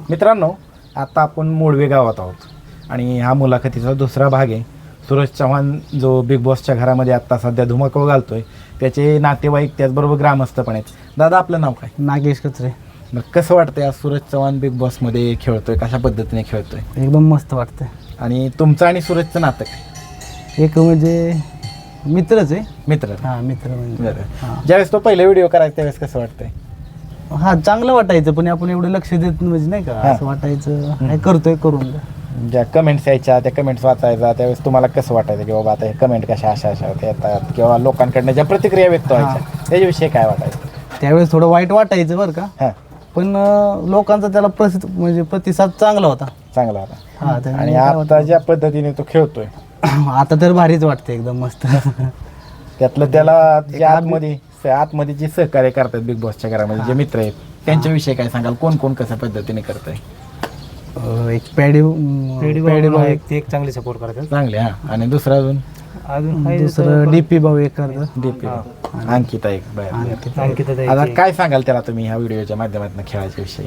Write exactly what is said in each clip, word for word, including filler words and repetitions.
मित्रांनो, आता आपण मोडवे गावात आहोत आणि हा मुलाखतीचा दुसरा भाग आहे. सूरज चव्हाण जो बिग बॉसच्या घरामध्ये आत्ता सध्या धुमाकूळ घालतोय, त्याचे नातेवाईक त्याचबरोबर ग्रामस्थ पण आहेत. दादा, आपलं नाव काय? नागेश कचरे. मग कसं वाटतंय आज सूरज चव्हाण बिग बॉसमध्ये खेळतोय, कशा पद्धतीने खेळतोय? एकदम मस्त वाटतंय. आणि तुमचं आणि सूरजचं नातं काय? एक म्हणजे मित्रच आहे. मित्र. हां, मित्र म्हणजे. हां. ज्यावेळेस तो पहिला व्हिडिओ करायचा त्यावेळेस कसं वाटतंय? हां, चांगलं वाटायचं, पण आपण एवढं लक्ष देत म्हणजे नाही का, असं वाटायचं काय करतोय करून. ज्या कमेंट्स यायच्या त्या कमेंट्स वाचायचा त्यावेळेस तुम्हाला कसं वाटायचं की बाबा आता हे कमेंट कशा अशा अशा येतात किंवा लोकांकडनं ज्या प्रतिक्रिया व्यक्त व्हायच्या त्याच्याविषयी काय वाटायचं? त्यावेळेस थोडं वाईट वाटायचं बरं का, हां. पण अं, लोकांचा त्याला प्रसिद्ध म्हणजे प्रतिसाद चांगला होता. चांगला होता. हां, त्यामुळे आणि काय आता ज्या पद्धतीने तो खेळतोय वाटतं, आता तर भारीच वाटतं एकदम मस्त. त्यातलं त्याला जे आतमध्ये आतमध्ये जे सहकार्य करतात बिग बॉसच्या घरामध्ये जे मित्र आहेत त्यांच्याविषयी काय सांगाल? कोण कोण कशा पद्धतीने करतंय? अं, एक पॅडी पॅडी भाऊ एक ते एक चांगली सपोर्ट करतात. चांगले. हा. आणि दुसरं अजून अजून दुसरं डीपी भाऊ एक करतं. डीपी अंकिता एक. बरं. अंकिता ताई. आता काय सांगाल त्याला तुम्ही ह्या व्हिडिओच्या माध्यमातून खेळाच्या विषयी?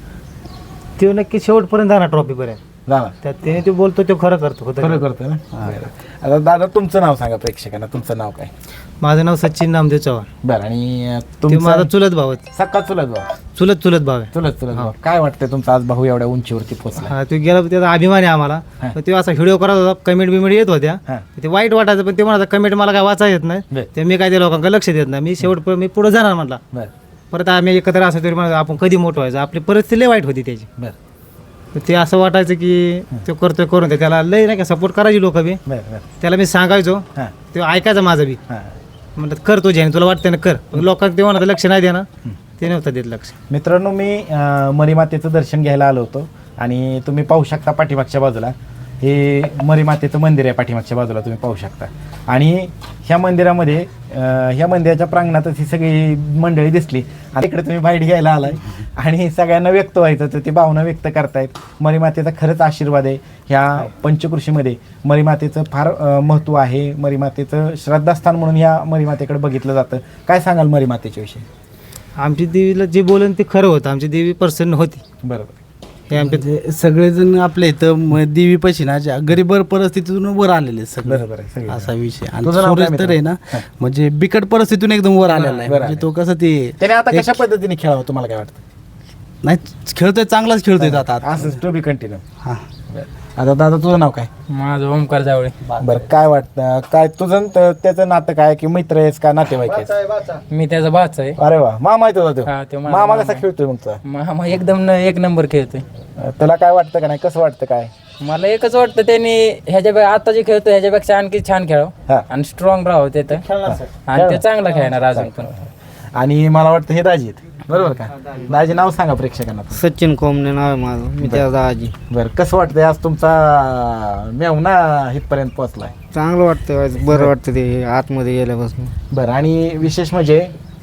तो नक्की शेवटपर्यंत जाणार ट्रॉफी पर्यंत. जाणार. त्यात त्याने तो बोलतो तो खरं करतो. होतं खरं का? करतोय ना. बरं. आता दादा, तुमचं नाव सांगा प्रेक्षकांना. तुमचं नाव काय? माझं नाव सचिन नामदेव चव्हाण. बरं. आणि तो माझा तुमचा चुलत भाव आहे. सक्का चुलत भाऊ? चुलत चुलत भाव आहे. चुलत चुलत भाऊ. काय वाटतंय तुमचा आज भाऊ एवढ्या उंचीवरती पोहोचला? हा, तो गेला त्याचा अभिमान आहे आम्हाला. हा. पण तो असा व्हिडिओ करत होता, कमेंट बिमेंट येत होत्या. हा. ते वाईट वाटायचं, पण ते म्हणाला कमेंट मला काय वाचा येत नाही, बरं. ते मी काय त्या लोकांकडे लक्ष देत नाही, मी शेवट मी पुढे जाणार म्हटला. बरं. परत आम्ही एकत्र असं तरी म्हणा आपण कधी मोठं व्हायचं, आपली परिस्थिती लय वाईट होती त्याची. बरं. तर ते असं वाटायचं की तो करतोय करून दे, त्याला लय नाही का सपोर्ट करायची लोक बी. बरं. बरं. त्याला मी सांगायचो, हां. ते ऐकायचं माझं बी. हां. म्हणतात कर तुझ्या ह्याने, तुला वाटतं ना कर. पण लोकांना ते म्हणत लक्ष नाही देणार, ते नव्हतं देत लक्ष. मित्रांनो, मी अं, मरीमातेचं दर्शन घ्यायला आलो होतो आणि तुम्ही पाहू शकता पाठीमागच्या बाजूला हे मरीमातेचं मंदिर आहे. पाठीमागच्या बाजूला तुम्ही पाहू शकता. आणि ह्या मंदिरामध्ये अं, ह्या मंदिराच्या प्रांगणातच ही सगळी मंडळी दिसली आणि इकडे तुम्ही बाईट घ्यायला आलाय आणि सगळ्यांना व्यक्त व्हायचं तर ते भावना व्यक्त करतायत. मरीमातेचा खरंच आशीर्वाद आहे. ह्या पंचकृषीमध्ये मरीमातेचं फार अं, महत्त्व आहे. मरीमातेचं श्रद्धास्थान म्हणून ह्या मरीमातेकडे बघितलं जातं. काय सांगाल मरीमातेच्या विषयी? आमची देवीला जे बोलन ते खरं होतं. आमची देवी प्रसन्न होती. बरोबर. हे आमच्या म्हणजे सगळेजण आपल्या इथं म- देवी पैसे ना ज्या गरीब परिस्थितीतून वर आलेले सगळे. बरोबर आहे. सगळे. असा विषय. आणि तुझं नाव काय सूरज तर आहे ना, मित्र? म्हणजे बिकट परिस्थितीतून एकदम वर आलेला आहे. बरं म्हणजे तो कसं ते त्याने आता कशा पद्धतीने खेळावं तुम्हाला काय वाटतं? नाही खेळतोय, चांगलाच खेळतोय तो आता. असंच टू बी कंटिन्यू. हा. आता दादा, तुझं नाव काय? माझं ओमकार जावळे. बरं. काय वाटतं, काय तुझं न त- त्याचं नातं काय, की मित्र आहेस का नातेवाईक आहेस? मी त्याचा बाच आहे. अरे वा, मामा आहे तुझा हा, तो. तो माझा मामा मामा कसा खेळतोय मग तुझा? मामा एकदम एक नंबर खेळतोय. अं, तुला काय वाटतं का नाही, कसं वाटतं काय? मला एकच वाटतं त्यांनी ह्याच्या आता जे खेळतो ह्याच्यापेक्षा आणखी छान खेळावं हा. आणि स्ट्रॉंग राहावं तिथं, आणि ते चांगला खेळणार अजून पण. आणि मला वाटतं हे दाजी आहेत, बरोबर का? दाजी नाव सांगा प्रेक्षकांना. सचिन कोमने नाव आहे माझं, मी त्याचा आजी. बरं. कसं वाटतंय आज तुमचा मेवना इथपर्यंत पोहोचलाय? चांगलं वाटतं, बरं वाटतं ते आतमध्ये गेल्यापासून. बरं. आणि विशेष म्हणजे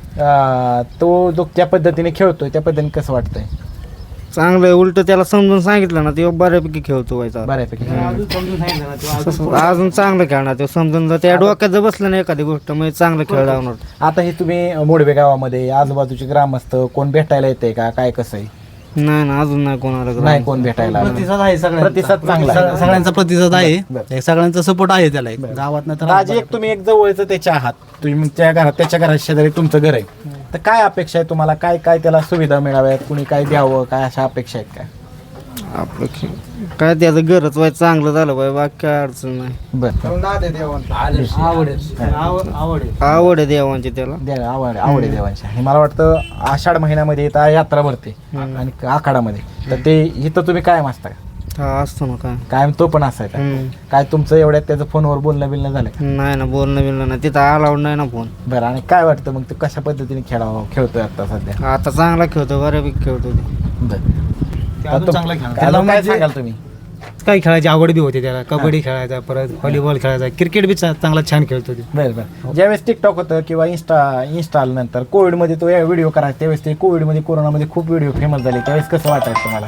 अं, तो जो त्या पद्धतीने खेळतोय त्या पद्धतीने कसं वाटतंय? चांगलं आहे. उलट त्याला समजून सांगितलं ना, ते बऱ्यापैकी खेळतो व्हायचा. बऱ्यापैकी. अजून चांगलं खेळणार ते, समजून जर त्या डोक्यात जर बसलं नाही एखादी गोष्ट म्हणजे चांगलं खेळ लावणार. आता हे तुम्ही मोडवे गावामध्ये आजूबाजूचे ग्रामस्थ कोण भेटायला येते का, काय कसं आहे? नाही ना, अजून नाही कोणाला. नाही कोण भेटायला आलं. प्रतिसाद आहे सगळ्यांचा. प्रतिसाद चांगला आहे. सग- सगळ्यांचा प्रतिसाद आहे. बरं. एक सगळ्यांचा सपोर्ट आहे त्याला. एक गावात नाही तर दाजी, एक तुम्ही एक जवळचं त्याच्या आहात, तुम्ही त्या घरात त्याच्या घरात शेजारी तुमचं घर आहे, तर काय अपेक्षा आहे तुम्हाला? काय काय त्याला सुविधा मिळाव्यात, कुणी काय द्यावं, काय अशा अपेक्षा आहेत काय? आपलं खेळ काय त्याचं घरच व्हायचं चांगलं झालं पाहिजे, बाकी काय अडचण नाही. बरं. आवड आहे देवांची त्याला. द्या- आवड आवड आहे देवांची. आणि मला वाटतं आषाढ महिन्यामध्ये इथं यात्रा भरते आणि आखाडामध्ये, तर ते इथं तुम्ही कायम असता का? हा, असतो ना. काय कायम तो पण असायचा? हम्म. काय तुमचं एवढ्यात त्याचं फोनवर बोलणं बिलणं झालं का? नाही ना, बोलणं बिलणं नाही तिथं, अलाउड नाही ना फोन. बरं. आणि काय वाटतं मग, तो कशा पद्धतीने खेळावं खेळतोय आता सध्या? आता चांगला खेळतो, बऱ्यापैकी खेळतो ते. बरं. अजून चांगला खेळणार. त्याला काय म्हणजे- सांगाल तुम्ही? काही खेळायची आवड बी होती त्याला, कबड्डी खेळायचा, परत व्हॉलीबॉल खेळायचा, क्रिकेट बी चा- चांगला छान खेळतो ते. बरं बरं. ज्यावेळेस टिकटॉक होतं किंवा इन्स्टा इन्स्टा नंतर कोविडमध्ये तो व्हिडिओ करायचा, त्यावेळेस ते कोविडमध्ये कोरोनामध्ये खूप व्हिडिओ फेमस झाले, त्यावेळेस कसं वाटायचं तुम्हाला?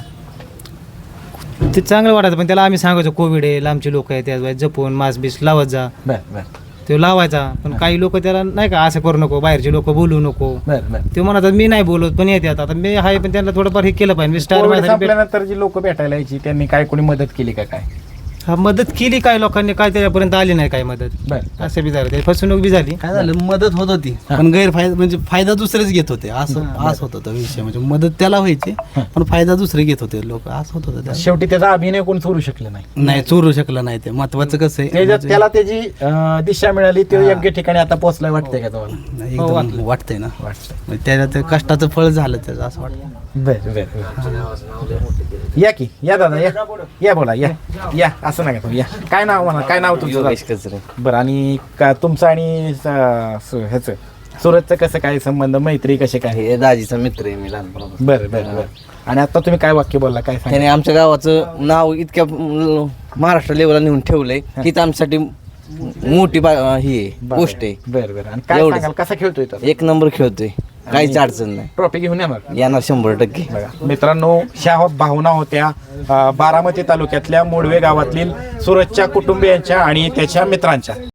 ते चांगलं वाटायचं, पण त्याला आम्ही सांगायचो कोविड आहे, लांबचे लोक आहेत, त्याच जपून मास्क बीस लावत जा. बरं बरं. तो लावायचा. पण काही लोक त्याला नाही का असं करू नको, बाहेरचे लोक बोलू नको. बरं बरं. ते म्हणतात मी नाही बोलत पण येते आता मी आहे, पण त्यांना थोडंफार हे केलं पाहिजे. स्टार कोविड संपल्यानंतर जी लोक भेटायला यायची त्यांनी काय कोणी मदत केली का काय? हा मदत केली, काय लोकांनी काय त्याच्यापर्यंत आली नाही काय मदत. बरं. असं बी झालं, ते फसवणूक बी झाली. काय झालं, मदत होत होती पण गैरफायदा म्हणजे फायदा दुसरेच घेत होते, असं असं होत होतं विषय. म्हणजे मदत त्याला व्हायची पण फायदा दुसरे घेत होते लोक, असं होत होतं. शेवटी त्याचा अभिनय कोण चोरू शकलं नाही. नाही चोरू शकलं नाही. ते महत्वाचं कसं आहे, त्याच्यात त्याला त्याची अं, दिशा मिळाली, ते योग्य ठिकाणी आता पोहोचलाय वाटतंय का तुम्हाला? नाही, हो, एकदम वाटलं. वाटतंय ना. वाटतंय. म्हणजे त्याच्यात ते कष्टाचं फळ झालं त्याचं, असं वाटतं. बर बर. या की या दादा या या बोला या या असं नका तुम्ही या. काय नाव म्हणा, काय नाव तुमचं? योगेश कचरे. बरं. आणि का तुमचं आणि स- सु- ह्याचं सुरतचं कसं काय संबंध, मैत्री कसे काय? हे दाजीचा मित्र आहे मी लहानपणापासून. बरं बरं बरं. आणि आता तुम्ही काय वाक्य बोलला, काय सांगा? त्याने आमच्या गावाचं नाव इतक्या म- महाराष्ट्र लेवलला नेऊन ठेवलंय की ते आमच्यासाठी मोठी बा- ही आहे, गोष्ट आहे. बरं बरं. आणि काय एवढंच. सांगाल, कसा खेळतोय तो? एक नंबर खेळतोय, काहीच अडचण नाही. ट्रॉफी घेऊन येणार. येणार शंभर टक्के. बघा मित्रांनो, ह्या होत भावना होत्या अं, बारामती तालुक्यातल्या मोडवे गावातील सुरतच्या कुटुंबियांच्या आणि त्याच्या मित्रांच्या.